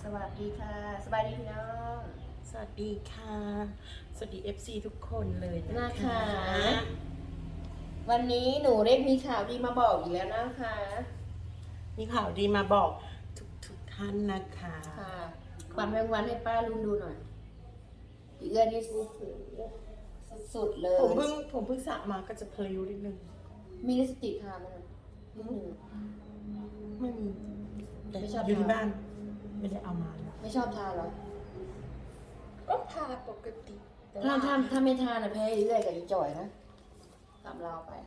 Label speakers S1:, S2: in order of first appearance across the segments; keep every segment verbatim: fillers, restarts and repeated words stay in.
S1: สวัสดีค่ะสบายดีพี่น้อง
S2: สวัสดีค่ะ สวัสดี เอฟ ซี ทุกคนเลยนะ
S1: นะคะ วันนี้หนูเล็กมีข่าวดีมาบอกอีกแล้วนะคะ
S2: มีข่าวดีมาบอกทุกทุกท่านนะคะ
S1: ค่ะความแมงวันให้ป้าลุงดูหน่อยอีเอื้อนนี่สุดๆเลย
S2: ผมเพิ่งผมเพิ่งสระมาก็จะเพลิวนิดนึง
S1: มีลิปสติกทาไหมนะนิดหนึ่ง
S2: ไม่มีแต่
S1: ไม่ชอบ
S2: อยู่ที่
S1: ทา
S2: บ้าน ไม่ได้เอามาเลย
S1: ไม่ชอบทาเหรอ
S2: ก็ทาปกติแต่
S1: ถ้า
S2: ว่า
S1: ถ้าถ้าไม่ทานะแพ้อีเอื้อยกับอีจ่อยนะตามเราไป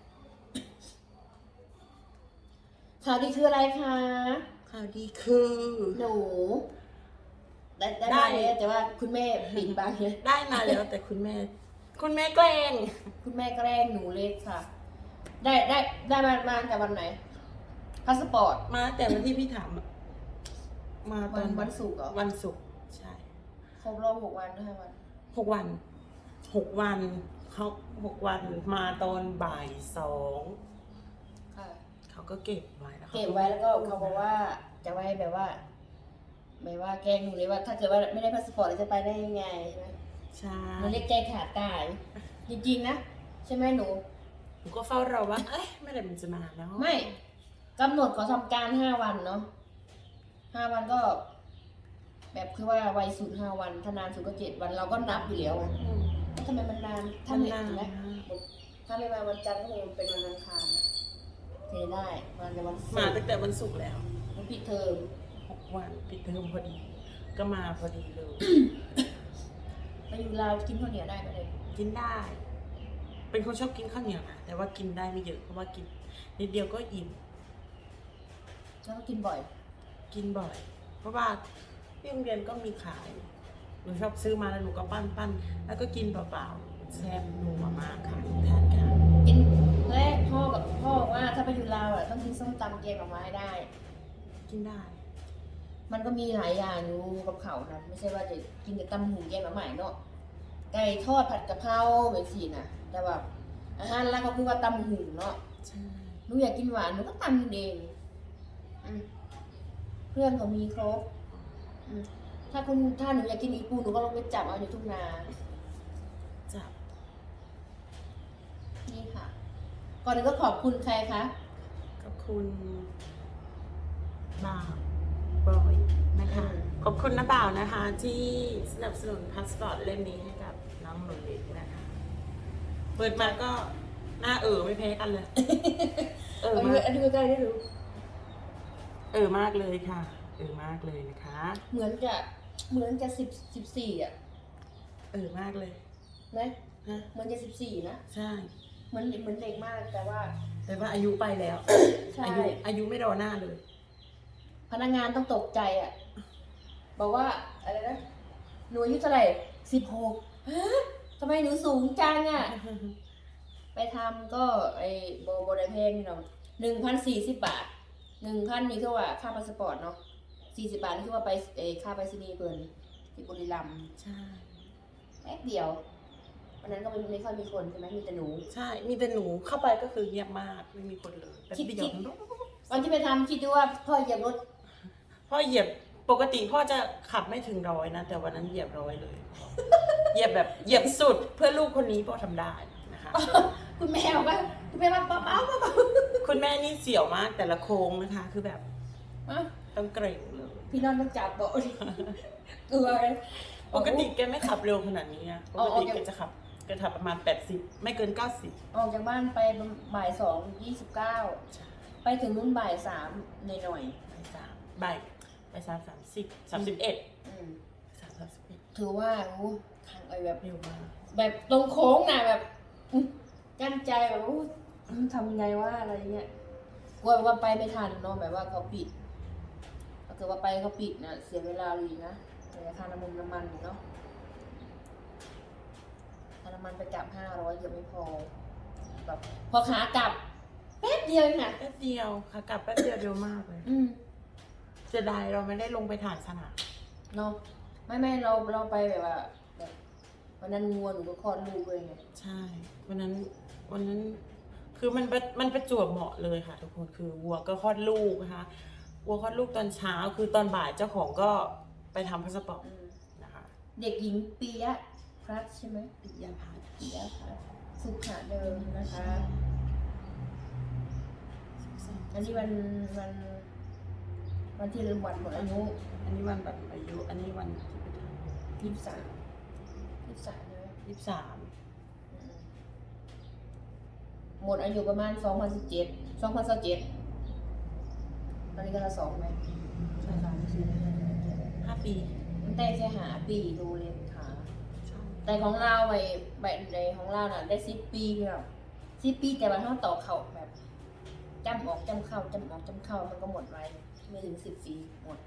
S1: ข่าวดีคืออะไรคะ
S2: ข่าวดีคือ
S1: หนูได้ได้
S2: ได้
S1: มาแล้วแต่ว่าคุณแม่ปิดบังเลย
S2: ได้มาแล้วแต่คุณแม่ คุณแม่แกล้ง
S1: คุณแม่แกล้งหนูเล็กค่ะ ได้ได้ได้มามาตั้งแต่วันไหนพาสปอร์ต
S2: มาแต่วันที่พี่ถามอะมาต
S1: วั
S2: อน น
S1: วันศุกร์เหรอ
S2: วันศุกร์ใช่
S1: ครบรอบหกวันห้าวัน
S2: หกวันหกวันเขาหกวันมาตอนบ่ายสอง
S1: ค่ะ
S2: เขาก็เก็บไว้แล้วขา
S1: เก็บไว้แล้วก็เขาบอกว่าจะไว้แบบว่าแบบว่าแกล้งหนูเลยว่า ถ้าเกิดว่าไม่ได้พาสปอร์ตจะไปได้ยังไงใช่ไหม
S2: ใช่
S1: หนูเล็กใจขาดตาย จริงๆนะใช่ไหมหนู
S2: หนูก็เฝ้ารอว่า เอ้ยเมื่อไหร่มันจะมาแล้ว
S1: ไม่กำหนดขอทำการห้าวันเนาะห้าวันก็ แบบคือว่าวัยสุดห้าวันถ้านานสุดก็เจ็ดวันเราก็นับอยู่แล้วอะ
S2: อืม
S1: แล้วทำไมมันนาน
S2: มั
S1: ถ้าน ไม่
S2: นาน
S1: นะถ้าไม่มาวันจันทร์ก็คงเป็นวันอังคารอะเทได้มาในวันศุ
S2: มาก
S1: ร์
S2: ตั้งแต่วันศุกร์แล้ว
S1: วันปิดเทอม
S2: หกวันปิดเทอมพอดี ก็มาพอดีเลย
S1: ไปอยู่ลาวกินข้าวเหนียวได้ไหมเลย
S2: กินได้ เป็นคนชอบกินข้าวเหนียวนะแต่ว่ากินได้ไม่เยอะเพราะว่ากินนิดเดียวก็อิ่ม
S1: แล้วก็กินบ่อย
S2: กินบ่อย เพราะว่าที่โรงเรียนก็มีขายหนูชอบซื้อมาแล้วหนูก็ปั้นปั้นแล้วก็กินเปล่าๆแซ่บนัวมากค่ะทานค่ะ
S1: กินแรกพ่อกับพ่อบอกว่าถ้าไปอยู่ลาวอ่ะต้องกินส้มตำแกงหน่อไม้ได้
S2: กินได้
S1: มันก็มีหลายอย่างอยู่กับเขานะไม่ใช่ว่าจะกินแต่ตำหูแกงหน่อไม้เนาะไก่ทอดผัดกะเพราแบบสี่นะแต่ว่าอาหารหลักก็คือว่าตำหูเนาะ
S2: ใช่
S1: หนูอยากกินหวานหนูก็ตำกินเองอืมเพื่อนเขามีครบอืมถ้าคุณถ้าหนูอยากกินอีปูหนูก็ลงไปจับเอาอยู่ทุ่งนา
S2: จับ
S1: นี่ค่ะ ก่อนอื่นก็ขอบคุณใครคะ
S2: ขอบคุณบ่าวบอยนะคะ ขอบคุณนะบ่าวนะคะ ที่สนับสนุนพาสปอร์ตเล่มนี้ให้กับน้องหนูเล็กนะคะ เปิดมาก็หน้าเออไม่แพ้กันเลย เออ
S1: อัน
S2: มา
S1: นี้
S2: ก
S1: อันนี้ใกล้ได้รู้
S2: เออมากเลยค่ะ เออมากเลยนะคะ
S1: เหมือนจะเหมือนจะสิบสิบสี่อ่ะ
S2: เออมากเลย
S1: นะ
S2: นะ
S1: เหมือนจะสิบสี่นะ
S2: ใช่
S1: เหมือนเหมือนเด็กมากแต่ว่า
S2: แต่ว่าอายุไปแล้ว
S1: ใช่
S2: อายุอายุไม่รอหน้าเลย
S1: พนักงานต้องตกใจอ่ะ บอกว่าอะไรนะหนูอายุเท่าไหร่สิบหกฮะทำไมหนูสูงจังอ่ะ ไปทำก็ไอ้โบโบได้เพลงนี่เนาะหนึ่งพันสี่สิบบาทหนึ่งพันนี่คือว่าค่าพาสปอร์ตเนาะสี่สิบบาทนี่คือว่าไปเออค่าไปรษณีย์เพิ่นที่บุรีรัมย์
S2: ใช่
S1: แป๊บเดียววันนั้นก็ไม่ไม่ค่อยมีคนใช่ไหมมีแต่หนู
S2: ใช่ มีแต่หนูเข้าไปก็คือเงียบมาก ไม่มีคนเลยแต่
S1: คิด
S2: เดียว
S1: คิด วันที่ไปทำคิดดูว่าพ่อเหยียบรถ
S2: พ่อเหยียบปกติพ่อจะขับไม่ถึงร้อยนะ แต่วันนั้นเหยียบร้อยเลย เหยียบแบบเหยียบสุดเพื่อลูกคนนี้พ่อทำได้นะคะ
S1: คุณแม่บอกว่าคุณแม่ว่าเบาๆเบา
S2: คุณแม่นี่เสี่ยวมากแต่ละโค้งนะคะ คือแบบ
S1: ๆอ่ะ
S2: ต้องเกรงเลย
S1: พี่นอนต้องจับเบาะดิกลัวเลย
S2: ปกติแกไม่ขับเร็วขนาดนี้อะป
S1: อ๋อก
S2: ติ
S1: อ๋อ
S2: แกจะขับแกขับประมาณแปดสิบไม่เกินเก้าสิบ
S1: ออกจากบ้านไปบ่ายสองยี่สิบเก้าไปถึงนู่นบ่ายสามหน่อยหน่อย
S2: บ่ายสามบ่ายบ่ายสามสามสิบสามสิบเอ็ด
S1: ๆอืม
S2: สามสามสิบเอ็ด
S1: ถือว่าโอ้ทางไอ้แบบ
S2: เร็วมาก
S1: แบบตรงโค้งน่ะแบบอื้อกั้นใจแบบอู้อื้อทำไงว่าอะไรเงี้ยกลัวแบบว่าไปไม่ทันเนาะแบบว่าเขาปิดถ้าเกิดว่าไปเขาปิดนะเสียเวลาเลยนะเสียค่าน้ำมันน้ำมันอยู่เนาะค่าน้ำมันไปกลับห้าร้อยเกือบไม่พอแบบพอขากลับแป๊บเดียวเองน่ะ
S2: แป๊บเดียวค่ะกลับแป๊บเดียวเร็วมากเลย
S1: อืม
S2: เสียดายเราไม่ได้ลงไปถ่ายสนาม
S1: เนาะไม่ไม่เราเราไปแบบว่าแบบวันนั้นงัวหนูก็คลอดลูกเลยไง
S2: ใช่วันนั้นวันนั้นคือมันประมันประจวบเหมาะเลยค่ะทุกคนคือวัวก็คลอดลูกนะคะวัวคลอดลูกตอนเช้าคือตอนบ่ายเจ้าของก็ไปทำพาสปอร์ต
S1: อืม
S2: นะคะ
S1: เด็กหญิงปียะพลัสใช่ไหม
S2: ปิยาภา
S1: ปียะพลัสสุขะเดิมนะคะ อันนี้วันวันวันที่เริ่มวันหมดอายุ
S2: อันนี้วันแบบอายุอันนี้วันที่ไปท
S1: ยี่สิบสามยี่สิบสามใช่ไหม
S2: ำยี่สิบสาม
S1: อืมหมดอายุประมาณสองพันสิบเจ็ดสองพันสิบเจ็ดตอนนี้ก็จะสองไหมสองสามสี่
S2: ห้าปี
S1: มันได้แค่หาปีดูเลยค่ะ
S2: ใช่
S1: แต่ของเราไปแบบในของเราน่ะ ได้สิบปีพี่น้องสิบปีแต่ว่าถ้าต่อเข่าแบบจำออกจำเข้าจำออกจำเข้ามันก็หมดไวไม่ถึงสิบปีหมด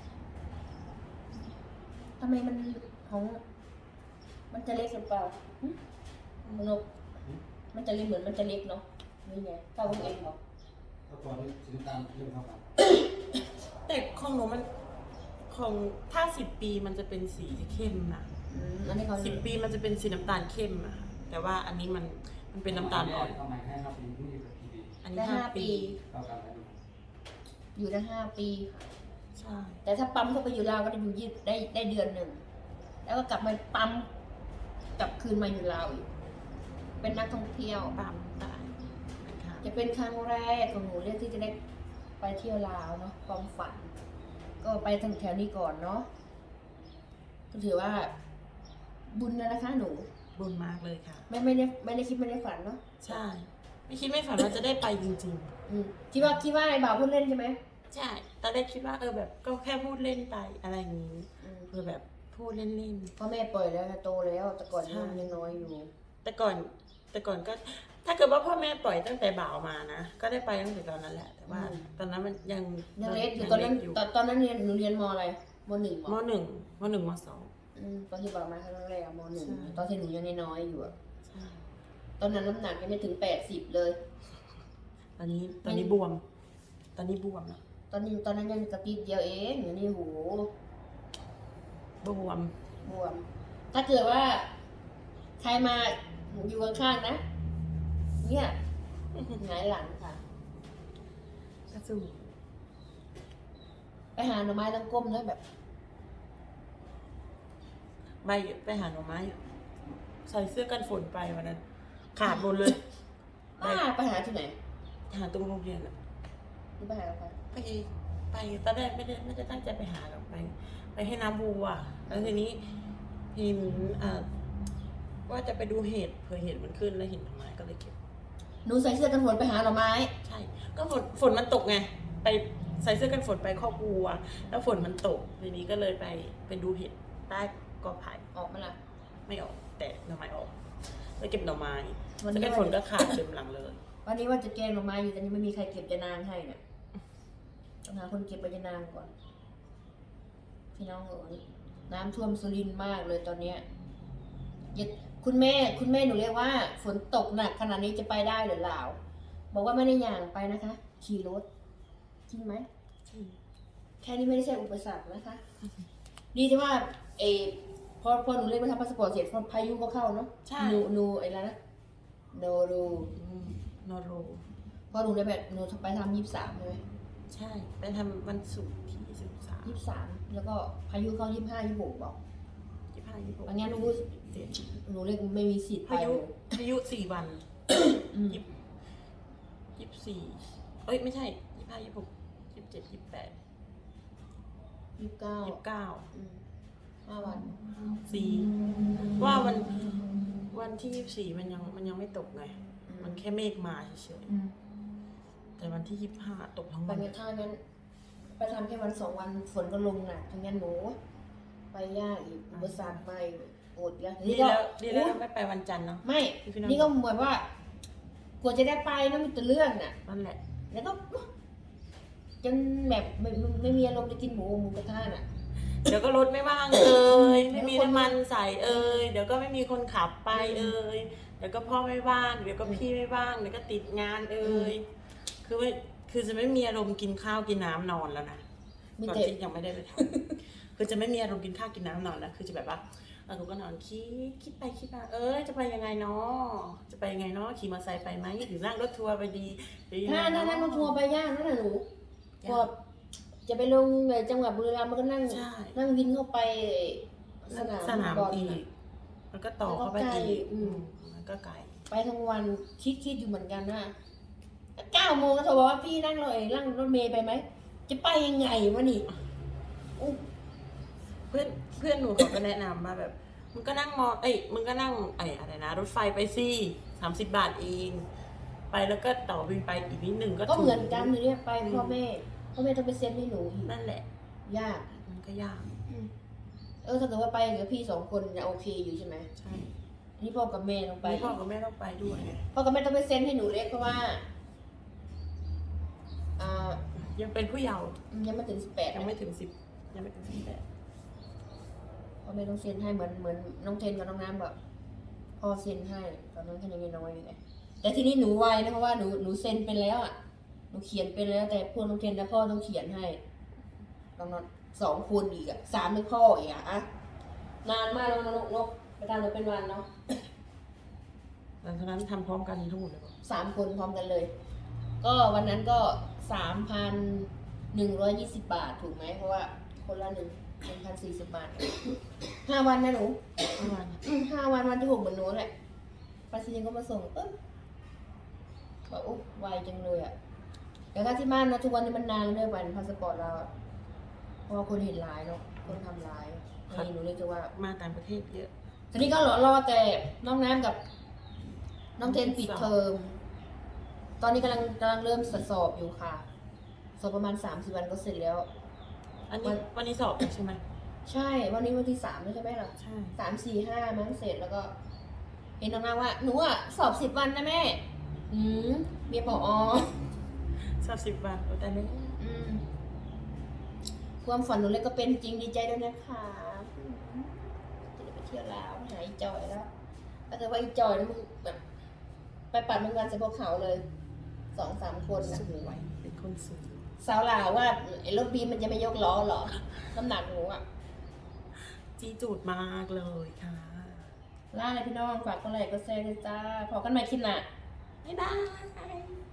S1: ทำไมมันของ มันจะเล็กหรือเปล่าหึมันนกมันจะเล็กเหมือนมันจะเล็กเนาะนี่ไงเท่ากับเองเหรอ
S3: ก็ตอนนี้สีน้ำตาลเริ่มเข้ากัน
S2: แต่ของหนูมันของถ้าสิบปีมันจะเป็นสีเข้มนะ
S1: อืมอันนี้เขา
S2: สิบปีมันจะเป็นสีน้ำตาลเข้มอะค่ะแต่ว่าอันนี้มันมันเป็นน้ำตาลอ่อน
S3: เข้ามาให้ครับปีนี้กับปีดี
S2: อันนี้
S1: ได้
S2: ห้า
S1: ห้า
S2: ปี
S1: ปี
S3: เข้ากันแล้วดู
S1: อยู่ได้ห้าปีค่ะ
S2: ใช่
S1: แต่ถ้าปั๊มเข้าไปอยู่ลาวก็จะอยู่ยี่ได้ได้เดือนหนึ่งแล้วก็กลับมาปั๊มกลับคืนมาอยู่ลาวอีกเป็นนักท่องเที่ยว
S2: ปั๊มได้นะคะ
S1: จะเป็นครั้งแรกของหนูเรื่องที่จะได้ไปเที่ยวลาวเนาะความฝัน ก็ไปทางแถวนี้ก่อนเนาะก็ถือว่า บุญนะนะคะ หนู
S2: บุญมากเลยค่ะ
S1: ไม่ไม่ได้ไม่ได้คิดไม่ได้ฝันเนาะ
S2: ใช่ ไม่คิดไม่ฝันว่าจะได้ไปจริง
S1: อืมคิดว่าคิดว่าไอ้บ่าวพูดเล่นใช่ไหม
S2: ๆ ใช่ตอนแรกคิดว่าเออแบบก็แค่พูดเล่นไปอะไรอย่างนี้
S1: อืม
S2: เออแบบพูดเล่น
S1: พ่อแม่ปล่อยแล้วโตแล้วแต่ก่อน
S2: ใช่
S1: ยังน้อยอยู่
S2: ๆ แต่ก่อนแต่ก่อนก็ ถ้าเกิดว่าพ่อแม่ปล่อยตั้งแต่บ่าวมานะก็ได้ไปตั้งแต่ตอนนั้นแหละ แต่ว่า ตอนนั้นมันยัง
S1: ยังเล็กอยู่
S2: ง
S1: ตอนนั้น
S2: เล็กยู่
S1: ตอนตอนนั้นเรียนหนูเรียนมอะไรมหนึ่งเหร
S2: ม
S1: อ
S2: หนึ่งมหนึ่งมสอง
S1: อืมตอนที่บอกมาครั้งแรกอะมหนึ่ง
S2: ใช่
S1: ตอนที่หนูยังน้อยๆอยู่อะ
S2: ใช่
S1: ตอนนั้นน้ำหนักยังไม่ถึงแปดสิบเลย
S2: ตอนนี้ตอนนี้บวม ตอนนี้บวมแล้ว
S1: ตอนนี้ตอนนั้นยังกระติดเดียวเองอยู่นี่โห
S2: บวม
S1: บวม ถ้าเกิดว่า ใครมาอยู่ข้างๆนะ เนี่ยหงายหลังค่ะ
S2: กระสู
S1: ไปหาหน่อไม้ต้องก้มด้วยแบบ
S2: ใบไปหาหน่อไม้ใส่เสื้อกันฝนไปวันนั้น ขาดหมดเลย
S1: บ้าไปหาที่ไหน
S2: หาตรงโรงเรียนอะ
S1: นี่ไปหาใคร
S2: ไปไปตอนแรกไม่ได้ไม่ได้ตั้งใจไปหาหรอกไป ไปให้น้ำวัวแล้วทีนี้เห็นอ่าว่าจะไปดูเห็ดเผื่อเห็ดมันขึ้นแล้วเห็นหน่อไม้ก็เลยเก็บ
S1: หนูใส่เสื้อกันฝนไปหาหน่อไม้
S2: ใช่ ก็ฝนฝนมันตกไง ไปใส่เสื้อกันฝนไปครอบครัว แล้วฝนมันตก ทีนี้ก็เลยไปไปดูเห็ดใต้กอไผ่
S1: ออกมาละ
S2: ไม่ออก แต่หน่อไม้ออกแล้วเก็บหน่อไม้
S1: วันนี้
S2: เสื้อกันฝนก็ขาดเต็มหลังเลย
S1: วันนี้ว่าจะแกงหน่อไม้อยู่แต่นี่ไม่มีใครเก็บจะนางให้เนี่ยต้องหาคนเก็บใบจะนางก่อน พี่น้องเอ๋ยน้ำท่วมสุรินทร์มากเลยตอนเนี้ยอย่าคุณแม่คุณแม่หนูเรียกว่า ฝนตกหนักขนาดนี้จะไปได้หรือเปล่าบอกว่าไม่ได้ย่างไปนะคะ ขี่รถจริงไหมแค่นี้ไม่ได้ใช่อุปสรรคนะคะ ดีที่ว่าเออพอพอหนูเล่นมาทำพาสปอร์ตเสร็จพอพายุก็เข้าเนาะ
S2: ใช่
S1: หนูหนูไอ้แล้วนะโนรู
S2: อืมโนโร
S1: พอหนูได้แบบหนูไปทำยี่สิบสามใช่ไหม
S2: ใช่ ไปทำวันศุกร์ที่สิบสาม
S1: ยี่สิบสามแล้วก็พายุเข้ายี่สิบห้ายี่สิบหกบอก
S2: ยี่ห้ายี่หก
S1: อันนี้หนู
S2: เจ็ด
S1: หนูเรียกไม่มีสิทธิ์ไป
S2: พายุ
S1: เลย
S2: พายุสี่วัน
S1: อืม
S2: ยี่ยี่สิบสี่เอ้ย ไม่ใช่ยี่ห้ายี่หกยี่สิบเจ็ดยี่สิบแปด
S1: ยี่สิบเก้า
S2: ยี่สิบเก้า
S1: อืมห้าวัน
S2: สี่ว่าวันวันที่ยี่สิบสี่มันยังมันยังไม่ตกไง มันแค่เมฆมาเฉย
S1: อืม
S2: ๆแต่วันที่ยี่สิบห้าตกทั้ง
S1: ไป
S2: วัน
S1: เมื่อท่านั้น ไปทำแค่วันสองวันฝนก็ลงหนักทั้งนั้นหนู ไปยากอีกอุปสรรคไปโอดแล้ว
S2: ดี
S1: ก็
S2: แล้วดีแล้ว
S1: อุ๊ย
S2: ไม่ไปวันจันทร์เนาะ
S1: ไม่
S2: พี่น้อง
S1: นี่ก็เหมือนว่า กว่าจะได้ไปนะมันจะเรื่องน่ะ
S2: นั่นแหละ
S1: แล้วก็จนแบบไม่ไม่ไม่มีอารมณ์จะกินหมูหมูกระทะน่ะ
S2: เดี๋ยวก็รถไม่ว่างเอ่ยไม่มีน้ำมันใส่เอ่ยเดี๋ยวก็ไม่มีคนขับไปเอ่ยเดี๋ยวก็พ่อไม่ว่างเดี๋ยวก็พี่ไม่ว่างเดี๋ยวก็ติดงานเอ่ยคือไม่คือจะไม่มีอารมณ์กินข้าวกินน้ำนอนแล้วนะ
S1: มี
S2: ตอน
S1: แต่
S2: ที่ยังไม่ได้ไปทำ คือจะไม่มีอารมณ์กินข้าวกินน้ำนอนแล้วคือจะแบบว่าเออกูก็นอนคิดคิดไปคิดมาเอ้ยจะไปยังไงเนาะจะไปยังไงเนาะขี่มอเตอร์ไซค์ไปไหมหรือนั่งรถทัวร์ไปดีหรือยังไง
S1: ถ้าถ้า
S2: เนาะ
S1: นั่งรถทัวร์ไปยากนั่นน่ะหนู
S2: ยาก
S1: ก็จะจะไปลงในจังหวัดบุรีรัมย์มันก็นั่ง
S2: ใช่
S1: นั่งวินเข้าไปสนาม
S2: สนาม
S1: บอล
S2: อี
S1: น่ะ
S2: กมันก็ต่อเข้าไป
S1: แล้วก็ไกล
S2: อีก
S1: อืม
S2: มันก็ไกล
S1: ไปทั้งวันคิดคิดอยู่เหมือนกันนะเก้าโมงก็โทรบอกว่าพี่นั่งรถเองนั่งรถเมย์ไปไหมจะไปยังไงวะนี่อุ๊ย
S2: เพื่อนเพื่อนหนูเขาก็แนะนำมาแบบมึงก็นั่งมอเอ้ยมึงก็นั่งไอ้อะไรนะ รถไฟไปสิสามสิบบาทเอง ไปแล้วก็ต่อวินไปอีกนิดหนึ่งก็
S1: ก็
S2: ถึง
S1: เหมือนกันเนี่ยไปพ่อแม่พ่อแม่ต้องไปเซ็นให้หนูอีก
S2: นั่นแหละ
S1: ยาก
S2: มันก็ยาก
S1: เออถ้าเกิดว่าไปกับพี่สองคนจะโอเคอยู่ใช่ไหม
S2: ใช่
S1: นี่พ่อกับแม่ต้องไป
S2: นี่พ่อกับแม่ต้องไปด้วยไง
S1: พ่อกับแม่ต้องไปเซ็นให้หนูเล็กเพราะว่าอ่า
S2: ยังเป็นผู้เยาว์
S1: ยังไม่ถึงสิบแปด
S2: ยังไม่ถึงสิบยังไม่ถึงสิบแปด
S1: พ่อแม่ต้องเซ็นให้เหมือนเหมือนน้องเทนกับน้องน้ำแบบพ่อเซ็นให้ตอนนั้นแค่ยังน้อยอยู่ไงแต่ทีนี้หนูไวนะเพราะว่าหนูหนูเซ็นเป็นแล้วอ่ะหนูเขียนเป็นแล้วแต่พวกน้องเทนและพ่อต้องเขียนให้น้องนสองคนอีกอ่ะสามเป็นพ่ออีกอ่ะอะนานมากแล้วนะนกนกไปทำเลยเป็นวันเนาะ
S2: หลังจากนั้นทำพร้อมกันทั้งหมดเลยป่ะ
S1: สามคนพร้อมกันเลย ก็วันนั้นก็สามพันหนึ่งร้อยยี่สิบบาทถูกไหมเพราะว่าคนละหนึ่งหนึ่งพันสี่สิบบาทห้าวันนะหนู
S2: ประมาณ
S1: อืมห้าวันวันที่หกเหมือนหนูแหละปาซีนก็มาส่งปึ๊บบอกอุ๊ยไวจังเลยอ่ะแต่ถ้าที่บ้านนะทุกวันนี้มันนานเลยวันพาสปอร์ตเราอะเพราะว่าคนเห็นร้ายเนาะคนทำร้ายนี่หนูเลยจะว่า
S2: มาต่างประเทศเยอะ
S1: ทีนี้ก็รอรอแต่น้องน้ำกับ น้องเทนปิดเทอม ตอนนี้กำลังกำลังเริ่มสอบอยู่ค่ะ สอบประมาณสามสิบวันก็เสร็จแล้ว
S2: อัน
S1: วั
S2: นี้
S1: น
S2: วันนี้สอบใช่ไหม
S1: ใช่ วันนี้วันที่สามแล้วใช่ไหมล่ะ
S2: ใช่
S1: สามสี่ห้ามั้งเสร็จแล้วก็ เห็นน้องน้ำว่า หนูอ่ะ สอบสิบวันนะแม่ อืมเมียปออ
S2: สอบสิบวันแต่ไม่
S1: อืมความฝันหนูเล็กก็เป็นจริงดีใจด้วยนะคะอืมจะได้ไปเที่ยวลาวหาอีจอยแล้วก็จะว่าอีจอยนี่มึงแบบ ไปปัดมันกันใส่พวกเขาเลยสองสามคนนะ
S2: สวยเป็นคนสวย
S1: สาวลาวว่าไอ้รถบีมมันจะไม่ยกล้อเหรอน้ำหนักหนูอ่ะ
S2: จีจูดมากเลยค่ะ
S1: ล่าเลยพี่น้องฝากกดไลค์กดแชร์ด้วยจ้าพอกันใหม่คลิปหน้า
S2: บ๊ายบาย